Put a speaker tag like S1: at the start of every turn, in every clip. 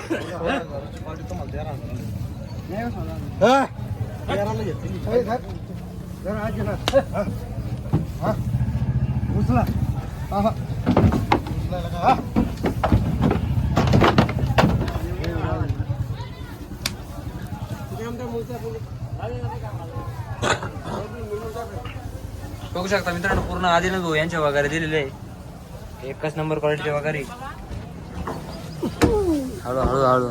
S1: बघू शकता मित्रांनो, पूर्ण आदिनाथ भाऊ यांच्या वगैरे दिलेले आहे. एकच नंबर क्वालिटीचे वगैरे. हळू हळू हळू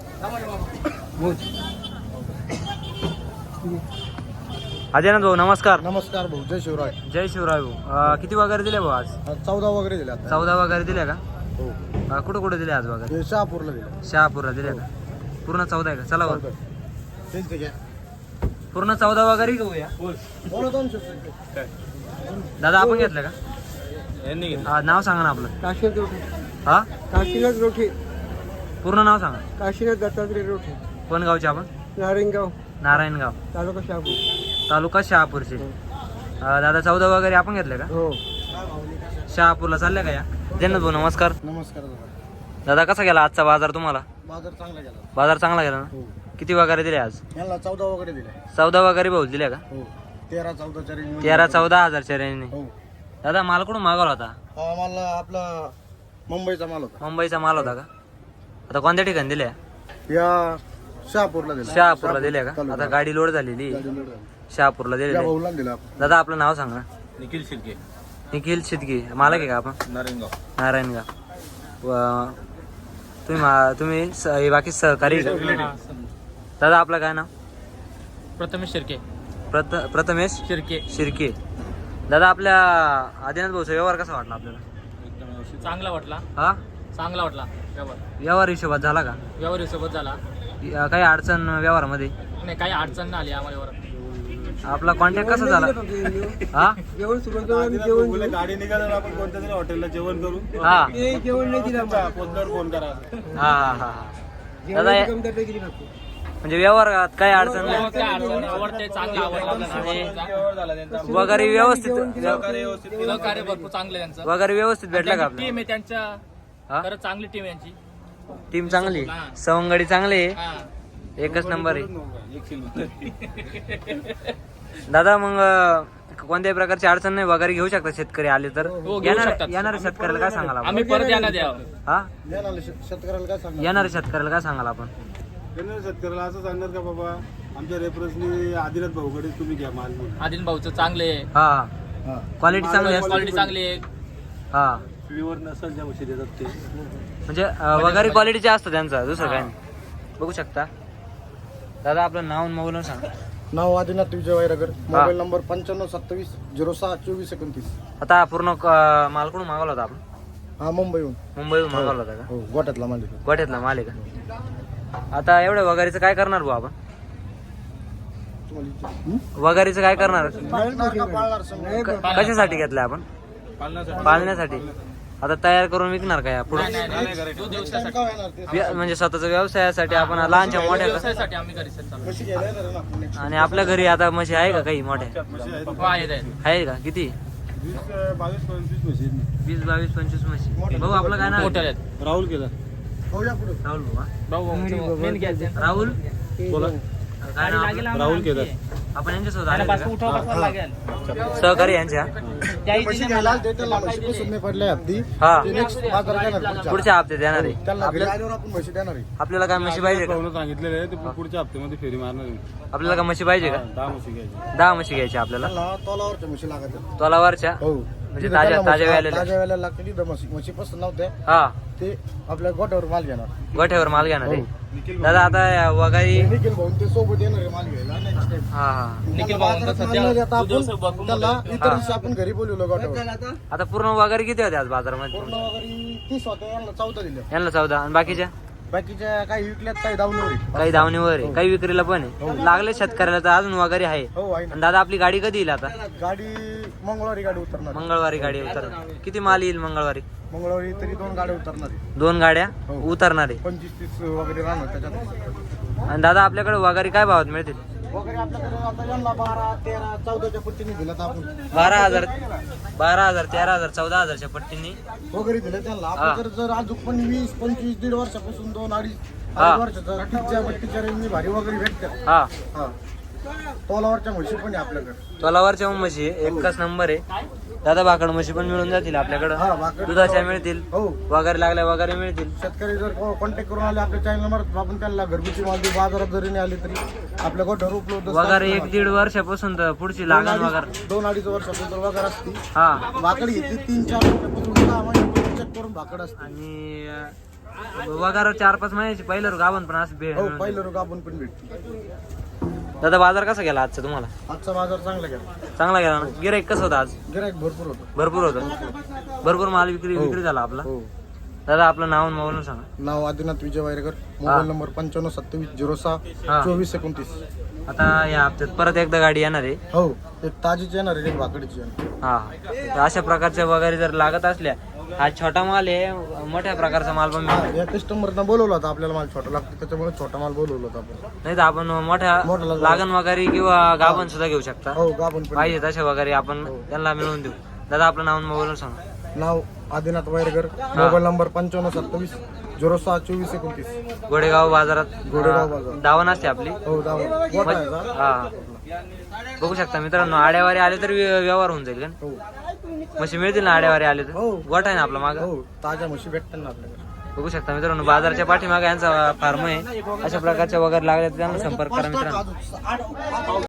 S1: आदिनाथ भाऊ नमस्कार.
S2: नमस्कार भाऊ, जय शिवराय.
S1: जय शिवराय भाऊ. किती वगैरे दिले भाऊ आज?
S2: 14 वगैरे दिले.
S1: 14 वगैरे दिले का?
S2: हो.
S1: कुठं कुठे दिले आज वगैरे?
S2: शहापूरला दिले.
S1: शहापूरला दिले का? पूर्ण 14 आहे का? चला वर.
S2: तेच घ्या.
S1: पूर्ण 14 वगैरे घेऊया. दादा आपण घेतलं का? नाव सांगा ना आपलं.
S2: काशीनाथ रोठे.
S1: हा,
S2: काशीनाथ रोठे.
S1: पूर्ण नाव सांगा.
S2: काशीनाथ दत्तात्रय रोठे.
S1: कोण गावचे आपण?
S2: नारायणगाव,
S1: नारायणगाव,
S2: तालुका शहापूर.
S1: तालुका शहापूरचे. दादा 14 वगैरे आपण घेतले का?
S2: हो.
S1: शहापूरला चालले का या? जन्नत भाऊ नमस्कार.
S2: नमस्कार
S1: दादा कसा गेला आजचा बाजार तुम्हाला?
S2: बाजार चांगला गेला.
S1: बाजार चांगला गेला ना?
S2: हो.
S1: किती वगैरे दिले आज?
S2: यांना 14 वगैरे दिले.
S1: 14 वगैरे भाऊ दिले का?
S2: हो. 13-14 रेंज.
S1: 13-14 हजारच्या रेंजने.
S2: हो.
S1: दादा माल कुठून मागवला होता?
S2: हा मला आपला मुंबईचा माल होता.
S1: मुंबईचा माल होता का? आता कोणत्या ठिकाणी दिल्या?
S2: या शहापूरला दिला.
S1: शहापूरला दिल्या का?
S2: तालुका.
S1: आता गाडी लोड झालेली.
S2: गाडी लोड झाली.
S1: शहापूरला
S2: या
S1: दिले.
S2: भाऊला दिला.
S1: दादा आपलं नाव सांगा.
S3: निखिल शिर्के,
S1: निखिल शिदगी. मालक आहे का आपण?
S3: नारायणगाव.
S1: नारायणगाव. तुम्ही हे बाकी सहकारी का? दादा आपलं काय नाव?
S3: प्रथमेश शिर्के.
S1: प्रथमेश
S3: शिर्के.
S1: शिर्के. दादा आपल्या आदिनाथ भाऊचा व्यवहार कसा वाटला आपल्याला?
S3: चांगला वाटला.
S1: हा,
S3: चांगला वाटला
S1: व्यवहार हिशोबात झाला का?
S3: व्यवहार सोबत झाला.
S1: काही अडचण व्यवहारामध्ये?
S3: नाही, काही अडचण नाही आली आम्हाला.
S1: आपला कॉन्टॅक्ट कसा झाला? हा,
S2: गाडी निघाल्यावर आपण कोणत्या तरी हॉटेलला जेवण करू.
S1: हा,
S2: जेवण नाही दिलं फोन करा.
S1: हा हा हा. दादा म्हणजे व्यवहारात काही अडचण नाही
S3: आवडते, चांगला आवडला.
S1: वगैरे व्यवस्थित
S3: सहकार्य भरपूर चांगलं त्यांचं.
S1: वगैरे व्यवस्थित भेटला का आपल्याला?
S3: टीम आहे त्यांच्या.
S1: हा?
S3: खरंच चांगली टीम आहे यांची.
S1: टीम चांगली, सवंगडी चांगली आहे.
S3: हा.
S1: एकच नंबर आहे. दादा मग कोणत्याही प्रकारची अडचण नाही, वगैरे घेऊ शकता शेतकरी आले तर?
S3: हो, घेऊ शकतात.
S1: येणाऱ्या शेतकऱ्याला काय सांगाल आपण?
S3: आम्ही परत यांना द्यावं.
S1: हा,
S2: शेतकऱ्याला काय सांगणार?
S1: येणाऱ्या शेतकऱ्याला काय सांगाल आपण?
S2: शेतकऱ्याला असं सांगणार का बाबा आमच्या रेफरन्सने आदिनाथ भाऊकडे तुम्ही घ्या माल.
S3: आदिन भाऊचं चांगले.
S1: हा, क्वालिटी चांगली असते.
S3: क्वालिटी चांगली आहे.
S1: हा,
S2: प्युअर नसल ज्या म्हशी देतात ते
S1: म्हणजे वगैरे क्वालिटीचे असतं त्यांचं, दुसरं काही नाही. बघू शकता. दादा आपलं नाव आणि मोबाईल सांगा.
S2: नाव आदिनाथ विजय वैरागर. Mobile number 9527062429.
S1: आता पूर्ण माल कुठून मागवला होता आपण?
S2: हा, मुंबईहून.
S1: मुंबईहून मागवला होता का?
S2: हो, गोठ्यातला माल आहे.
S1: गोठ्यातला माल आहे का? आता एवढ्या वगैरेचं काय करणार भाऊ आपण? वगैरेचं काय करणार? कशासाठी घेतलंय आपण? पाळण्यासाठी. आता तयार करून विकणार काय पुढे? म्हणजे स्वतःच्या व्यवसायासाठी आपण लहानच्या मोठ्या
S3: व्यवसायासाठी आम्ही घरी चालू.
S1: आणि आपल्या घरी आता म्हशी आहे का काही मोठ्या?
S3: हो, आहेत.
S1: आहे का? किती? 20-22-25 म्हशी. भाऊ आपलं काय नाव?
S3: मोठे आहेत.
S2: राहुल केला.
S1: राहुल भाऊ.
S3: मेन घ्यायचं.
S1: राहुल
S2: बोला.
S1: काय नाव आपलं?
S2: राहुल केदार.
S1: आपण यांच्यासोबत आले का?
S3: लागेल.
S1: सहकारी यांच्या. हा, पुढच्या हप्त्यात येणार आहे. आपल्याला काय म्हशी पाहिजे का?
S2: सांगितलेलं आहे ते पुढच्या हप्त्यामध्ये फेरी मारणार आहे.
S1: आपल्याला काय म्हशी पाहिजे का?
S2: 10 म्हशी घ्यायची.
S1: 10 म्हशी घ्यायच्या आपल्याला.
S2: तोलावरच्या म्हशी लागत.
S1: तोलावरच्या म्हणजे ताज्या वेळेला.
S2: ताज्या वेळेला लागते. म्हशी पसंत नव्हत्या
S1: हा,
S2: ते आपल्या गोठ्यावर माल घेणार.
S1: गोठ्यावर माल घेणार आहे. दादा आता वगारी.
S2: निखिल भाऊ ते सोबत येणार आहे माल घ्यायला.
S1: हा हा.
S3: निखिल भाऊ
S2: त्याला इतर दिवशी आपण घरी बोलवलं गोठ्यावर.
S1: आता पूर्ण वगैरे किती होते आज बाजारामध्ये?
S2: पूर्ण वगैरे 30 होत्या. यांना 14 दिल्या.
S1: यांना 14 आणि बाकीच्या
S2: बाकीच्या काही विकल्यात, काही दावणीवर आहे.
S1: काही धावणीवर आहे, काही विक्रीला पण आहे. लागले शेतकऱ्याला तर अजून वगैरे आहे.
S2: हो, आहे ना.
S1: आणि दादा आपली गाडी कधी येईल आता?
S2: गाडी मंगळवारी गाडी उतरणार.
S1: मंगळवारी गाडी उतरणार. किती माल येईल मंगळवारी?
S2: मंगळवारी तरी 2 गाड्या उतरणार आहे.
S1: 2 गाड्या
S2: हो.
S1: उतरणार आहे.
S2: 25-30 वगैरे राहणार त्याच्यात.
S1: आणि दादा आपल्याकडे वगैरे काय भावात मिळतील?
S4: वगैरे आपल्याकडे आता यांना 12, 13, 14च्या पट्टीने दिल्यात आपण
S1: 12,000 13,000 14,000च्या पट्टीने
S4: वगैरे दिले त्यांना. आपल्याकडे जर अजून पण 20, 25, 1.5 वर्षापासून 2, 2.5
S1: हा.
S4: वर्षाचा टिकच्या पट्टीच्या रेंजनी भारी वगैरे भेटतात.
S1: हा
S4: हा तोलावरच्या म्हशी पण आहे आपल्याकडे.
S1: तोलावरच्या म्हशी एकच नंबर आहे. दादा भाकड म्हशी पण मिळून जातील आपल्याकडं.
S4: हा भाकड
S1: दुधाच्या मिळतील,
S4: हो.
S1: वगैरे लागल्या वगैरे मिळतील.
S4: शेतकरी जर कॉन्टॅक्ट करून आले आपल्या चॅनल नंबर आपण त्यांना घरगुती माल देऊ. बाजारात जरी नाही आले तरी आपल्या गोठ्यावर उपलब्ध
S1: वगैरे 1-1.5 वर्षापासून तर पुढची लागण वगैरे.
S4: 2-2.5 वर्षापासून वगैरे असते.
S1: हा
S4: भाकड घेतली 3-4 महिन्यापासून 6 महिन्यापासून चेक करून भाकड असते.
S1: आणि वगैरे 4-5 महिन्याची पहिलं गाभण पण असं
S4: हो पहिलं रोग आपण पण भेटतो.
S1: दादा बाजार कसा गेला आजचा तुम्हाला?
S4: आजचा बाजार चांगला गेला.
S1: चांगला गेला ना? गिराईक कसं होतं आज?
S4: गिराईक भरपूर होतं.
S1: भरपूर होतं. भरपूर माल विक्री झाला आपला.
S4: हो.
S1: दादा आपलं नाव आणि मोबाईल सांगा.
S4: नाव आदिनाथ विजय वायरेकर. मोबाईल नंबर 952706
S1: हा.
S4: 2429.
S1: आता या हप्त्यात परत एकदा गाडी येणार आहे.
S4: हो एक ताजीची येणार आहे, एक भाकडीची येणार.
S1: हा तर अशा प्रकारच्या वगैरे जर लागत असल्या, हा छोटा माल आहे, मोठ्या प्रकारचा माल पण मिळतो.
S4: या कस्टमरनं बोलवलं होतं आपल्याला माल छोटा लागतो त्याच्यामुळे छोटा माल बोलवलं होतं आपण.
S1: नाही तर आपण मोठ्या
S4: मोठा
S1: लागण वगैरे किंवा गाभण सुद्धा घेऊ शकता.
S4: हो गाभण पण.
S1: पाहिजे तशा वगैरे आपण त्यांना मिळवून देऊ. दादा आपलं नाव आणि मोबाईल सांगा.
S4: नाव आदिनाथ वायरेकर. Mobile number 952706 2429.
S1: गोडेगाव बाजारात
S4: गोडेगाव बाजार.
S1: दावण असते आपली.
S4: हो दावा गोठा आहे का?
S1: हा बघू शकता मित्रांनो, आड्यावारी आले तर व्यवहार होऊन जाईल का?
S4: हो
S1: म्हशी मिळतील ना आड्यावारी आले तर?
S4: हो.
S1: गोठा आहे ना आपला माग.
S4: हो ताज्या म्हशी भेटतात ना आपल्याकडे.
S1: बघू शकता मित्रांनो, बाजारच्या पाठीमागे यांचा फार्म आहे. अशा प्रकारच्या वगैरे लागल्या तर त्यांना संपर्क करा मित्रांनो.